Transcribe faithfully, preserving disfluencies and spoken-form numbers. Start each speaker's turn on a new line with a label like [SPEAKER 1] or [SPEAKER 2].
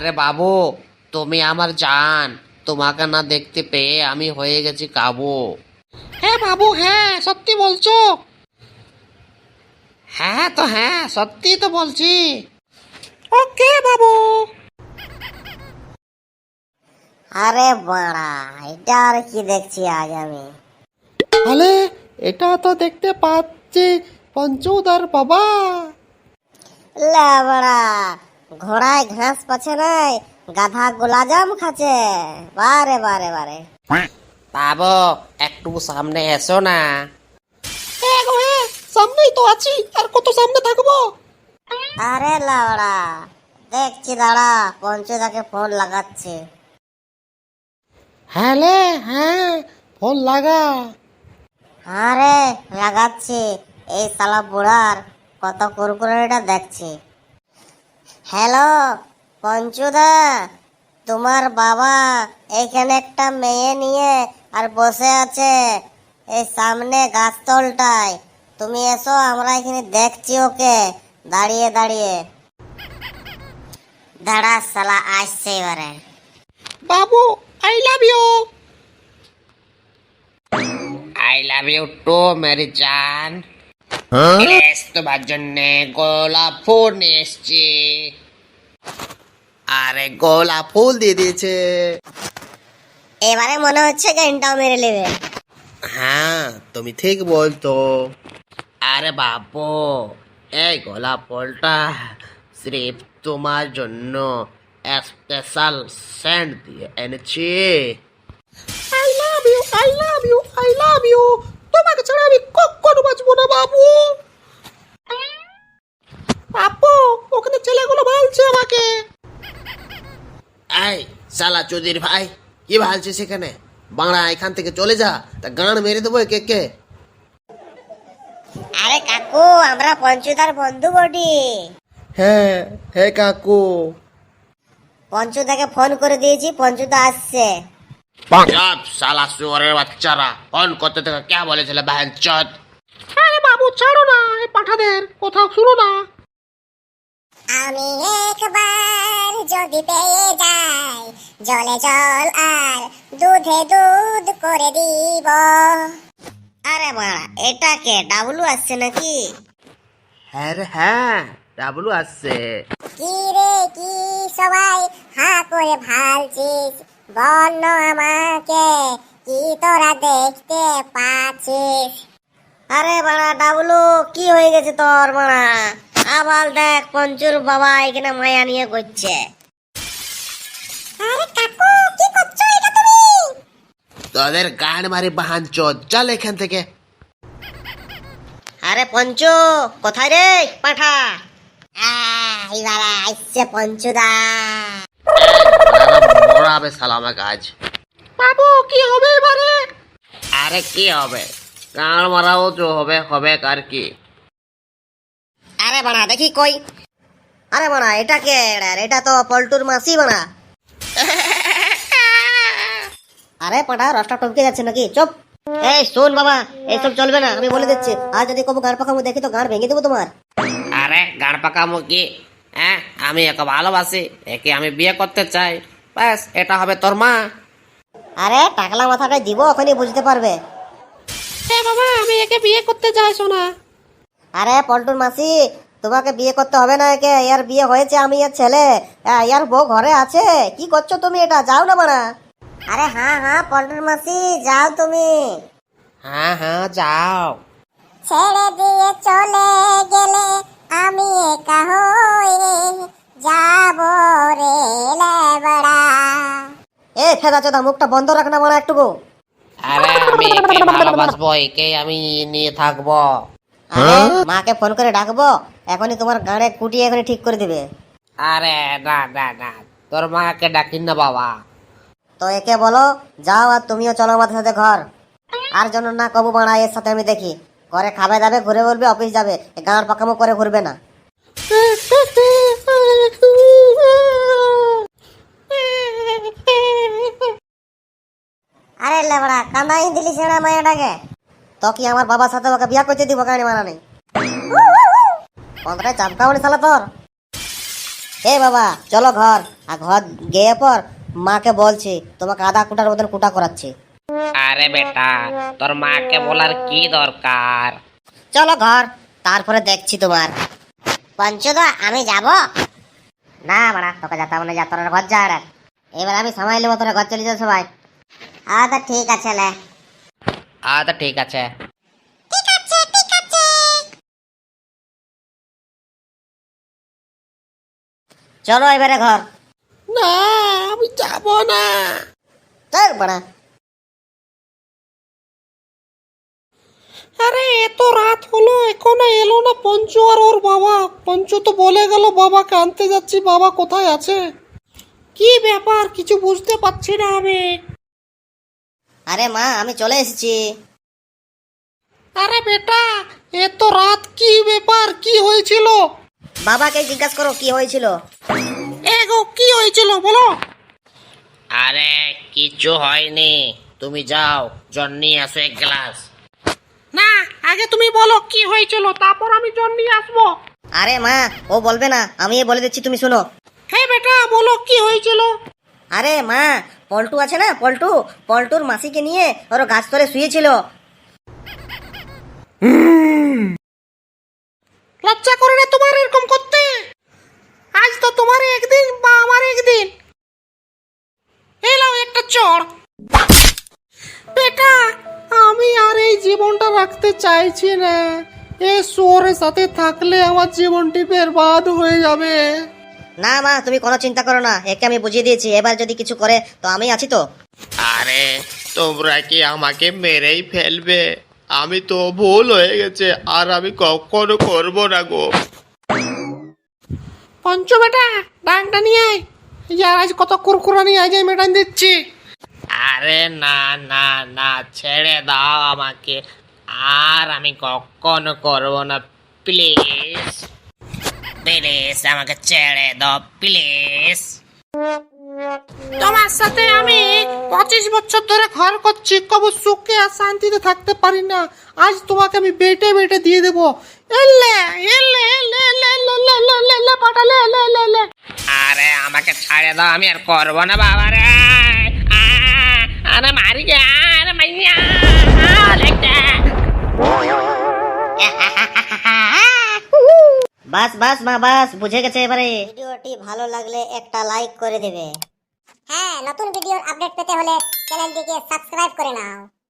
[SPEAKER 1] আরে বাবু, তুমি আমার জান। তোমাকে না দেখতে পেয়ে আমি হয়ে গেছি কাবু।
[SPEAKER 2] হ্যাঁ বাবু, হ্যাঁ সত্যি বলছো?
[SPEAKER 1] হ্যাঁ তো হ্যাঁ, সত্যি তো বলছি।
[SPEAKER 2] ওকে বাবু।
[SPEAKER 3] আরে বাড়া, এটা আর কি দেখছি আজ আমি।
[SPEAKER 2] তাহলে এটা তো দেখতে পাচ্ছি পঞ্চুদার বাবা।
[SPEAKER 3] লে বাড়া, ঘোড়ায় ঘাস পাচ্ছে নাই, গাধা গোলাজাম খাচ্ছে। বারে বারে বারে
[SPEAKER 1] বাবু, একটু সামনে এসো না।
[SPEAKER 2] হ্যাঁ গো হ্যাঁ, সামনেই তো আছি, আর কত সামনে থাকবো?
[SPEAKER 3] আরে লাউড়া, দেখছি দাঁড়া, পঞ্চুদাকে ফোন লাগাচ্ছে।
[SPEAKER 2] হ্যাঁ লে হ্যাঁ, ফোন লাগা।
[SPEAKER 3] আরে লাগাচ্ছি, এই শালা বুড়ার কত কুরকুরেটা দেখছি। হ্যালো পঞ্চুদা, তোমার বাবা এইখানে একটা মেয়ে নিয়ে আর বসে আছে এই সামনে গাছতলটায়। তুমি এসো, আমরা এখানে দেখছি ওকে দাঁড়িয়ে দাঁড়িয়ে। দাঁড়া শালা, আসছে এবারে।
[SPEAKER 2] বাবু I love you.
[SPEAKER 1] I love you টু মেরি জান। এস তোমার জন্যে গোলাপ ফুল নিয়ে এসছি। আরে গোলাপ ফুল দিয়ে দিয়েছে।
[SPEAKER 3] এবারে মনে হচ্ছে ঘন্টাও মেরে নেবে।
[SPEAKER 1] হ্যাঁ, তুমি ঠিক বলতো। আরে বাবু, এই গোলাপ ফুলটা সির্ফ তোমার জন্য স্পেশাল সেন্ট দিয়ে এনেছি।
[SPEAKER 2] I love you, I love you, I love you. তোমাকে ছাড়া আমি কখনো বাঁচবো না বাবু। বাবু, ওখানে ছেলেগুলো ভালছে আমাকে।
[SPEAKER 1] এই শালা চৌধুরী ভাই, কি ভালছিস সেখানে? বাংলা এখান থেকে চলে যা, তা গান মেরে দেবো কে কে।
[SPEAKER 3] আরে কাকু, আমরা পঞ্চুদার বন্ধু বটি।
[SPEAKER 2] হ্যাঁ হ্যাঁ কাকু।
[SPEAKER 3] পঞ্চুদাকে ফোন করে দিয়েছি, পঞ্চুদা আসছে।
[SPEAKER 1] সব শালা শুয়োরের বাচ্চারা ফোন করতে থেকে কে বলেছিল বাহন চোদ?
[SPEAKER 2] আরে বাবু ছাড়ো না, এই পাঠাদের কোথাও শুনো না।
[SPEAKER 3] আমি একবার যদি পেয়ে যাই, জলে জল আর দুধে দুধ করে দিব। আরে বাড়া, এটা কে ডাবলু আসছে নাকি?
[SPEAKER 1] হ্যাঁ রে হ্যাঁ, ডাবলু আসছে।
[SPEAKER 3] কি রে কি সবাই হা করে ভালছিস, বল না আমাকে কি তোরা দেখতে পাচ্ছিস? আরে বাড়া ডাবলু, কি হয়ে গেছে তোর বাড়া? আবার দেখ পঞ্চুর বাবা এখানে মায়া নিয়ে করছে। আরে কাকু, কি করছো এটা তুমি?
[SPEAKER 1] তোদের গান মারি বাহান চোদ, চল এখান থেকে।
[SPEAKER 3] আরে পঞ্চু, কোথায় রে পাঠা? এইবার আসছে পঞ্চুদা।
[SPEAKER 1] মরাবে শালা আমাকে আজ।
[SPEAKER 2] বাবু কি হবে এবারে?
[SPEAKER 1] আরে কি হবে, গান মারাও তো হবে, হবে আর কি।
[SPEAKER 3] আরে বাড়া দেখি কই। আরে বাড়া, এটা কে? এটা তো পল্টুর মাসি বাড়া। আরে পাঠা, রসটা টপকে যাচ্ছে নাকি? চুপ। এই শোন বাবা, এইসব চলবে না, আমি বলে দিচ্ছি। আর যদি কবু গান পাকামো দেখি তো গান ভেঙে দেবো তোমার।
[SPEAKER 1] আরে গান পাকামো কি? হ্যাঁ, আমি একে ভালোবাসি, একে আমি বিয়ে করতে চাই, ব্যাস এটা হবে তোর মা।
[SPEAKER 3] আরে টাকলা মাথাটা দিব, ওখানে বুঝতে পারবে।
[SPEAKER 2] হ্যাঁ বাবা, আমি একে বিয়ে করতে চাই সোনা।
[SPEAKER 3] আরে পল্টুর মাসি, তোমাকে বিয়ে করতে হবে না, একে ইয়ার বিয়ে হয়েছে, আমি এর ছেলে। ইয়ার বউ ঘরে আছে। কি করছো তুমি? এটা যাও না বাড়া। আরে হ্যাঁ হ্যাঁ পল্টুর মাসি, যাও তুমি।
[SPEAKER 1] হ্যাঁ হ্যাঁ যাও।
[SPEAKER 3] ছেড়ে দিয়ে চলে গেলে আমি একা হয়ে যাব রে লেবড়া। এ ফেদা চোদা, মুখটা বন্ধ রাখ না বাড়া একটুকু।
[SPEAKER 1] আরে আমি একে ভালোবাসবো, একে আমি নিয়ে থাকবো।
[SPEAKER 3] আরে মাকে ফোন করে ডাকবো, এখনই তোমার গাড়ে কুটিয়ে এখনই ঠিক করে দিবে।
[SPEAKER 1] আরে না না না, তোর মাকে ডাকিন না বাবা।
[SPEAKER 3] তো একে বলো যাও, আর তুমিও চলো আমাদের সাথে ঘর। আর যেন না কবু বাড়া এর সাথে আমি দেখি। ঘরে খাবে দাবে, ঘুরে বলবে, অফিস যাবে, গাঁর পাকামো করে ঘুরবে না। আরে লেবড়া, কান্দাই দিলি সেনা মায়াটাকে। তো কি আমার বাবার সাথে ওকে বিয়া করতে দিব? গাড়ি মারা নেই। পনেরোটায় চাপকা উনি শালা তোর।
[SPEAKER 4] এ বাবা চলো ঘর, আর ঘর গিয়ে পর মাকে বলছি তোমাকে আধা কুটার মতন কুটা করাচ্ছি।
[SPEAKER 1] আরে বেটা, তোর মাকে বলার কি দরকার?
[SPEAKER 4] চলো ঘর, তারপরে দেখছি তোমার।
[SPEAKER 3] পঞ্চদা আমি যাব?
[SPEAKER 4] না বাড়া, তোকে যেতে মানে যা, তোর ঘর যা। এবার আমি সময় নেবো, তোরা ঘর চলে যাও সবাই।
[SPEAKER 3] আচ্ছা ঠিক আছে লে।
[SPEAKER 1] আচ্ছা ঠিক আছে।
[SPEAKER 3] ঠিক আছে ঠিক আছে।
[SPEAKER 4] চলো এবারে ঘর।
[SPEAKER 2] না আমি যাব না।
[SPEAKER 4] চল বাড়া।
[SPEAKER 2] আরে এত রাত হলো এখনো এলো না পঞ্চু আর ওর বাবা। পঞ্চু তো বলে গেল বাবাকে আনতে যাচ্ছি, বাবা কোথায় আছে? কি ব্যাপার কিছু বুঝতে পারছি না আমি।
[SPEAKER 4] আরে মা আমি চলে এসেছি।
[SPEAKER 2] আরে বেটা এত রাত কি ব্যাপার, কি হয়েছিল?
[SPEAKER 4] বাবাকে জিজ্ঞাসা করো কি হয়েছিল।
[SPEAKER 2] এগো কি হয়েছিল বলো।
[SPEAKER 1] আরে কিছু হয়নি, তুমি যাও জল নিয়ে আসো এক গ্লাস।
[SPEAKER 2] না আগে তুমি বলো কি হয়েছিল, তারপর আমি জল নিয়ে আসবো।
[SPEAKER 4] আরে মা ও বলবে না, আমি বলে দিচ্ছি তুমি শোনো।
[SPEAKER 2] হ্যাঁ বেটা বলো কি হয়েছিল।
[SPEAKER 4] আরে মা, পল্টু আছে না, পল্টু পল্টুর মাসিকে নিয়ে ওর গাছ তলে শুয়েছিল।
[SPEAKER 2] লজ্জা করে না তোমার এরকম করতে? আজ তো তোমার একদিন বা আমার একদিন। এলাও একটা চড়। বেটা আমি আর এই জীবনটা রাখতে চাইছি না। এই শোরের সাথে থাকলে আমার জীবনটি বরবাদ হয়ে যাবে।
[SPEAKER 4] না মা তুমি কোনো চিন্তা করো না, একে আমি বুঝিয়ে দিয়েছি, এবার যদি কিছু করে তো আমি আছি তো।
[SPEAKER 5] আরে তোমরা কি আমাকে মেরেই ফেলবে? আমি তো ভুল হয়ে গেছে, আর আমি কখনো করবো না গো।
[SPEAKER 2] পঞ্চ বেটা ডাংটা নিয়ে আয়। ইয়ার আজ কত কুরকুরা নিয়ে আয়, মেটান দিচ্ছি।
[SPEAKER 1] আরে না না না, ছেড়ে দাও আমাকে, আর আমি কখনো করবো না, প্লিজ প্লিজ আমাকে ছেড়ে দাও প্লিজ।
[SPEAKER 2] তোমার সাথে আমি পঁচিশ বছর ধরে ঘর করছি, কবু সুখে আর শান্তিতে থাকতে পারি না। আজ তোমাকে আমি বেটে বেটে দিয়ে দেবো। এলে এলে এলে এলে এলে এলে এলে এলে এলে পাঠালে এলে এলে এলে।
[SPEAKER 1] আরে আমাকে ছেড়ে দাও, আমি আর করবো না বাবা রে। আহ, আরে মারি গে, আরে মাইয়া লেগটা।
[SPEAKER 4] বাস বাস মা বাস, বুঝে গেছে এবারে। ভিডিওটি ভালো লাগলে একটা লাইক করে দেবে।
[SPEAKER 3] হ্যাঁ নতুন ভিডিওর আপডেট পেতে হলে চ্যানেলটিকে সাবস্ক্রাইব করে নাও।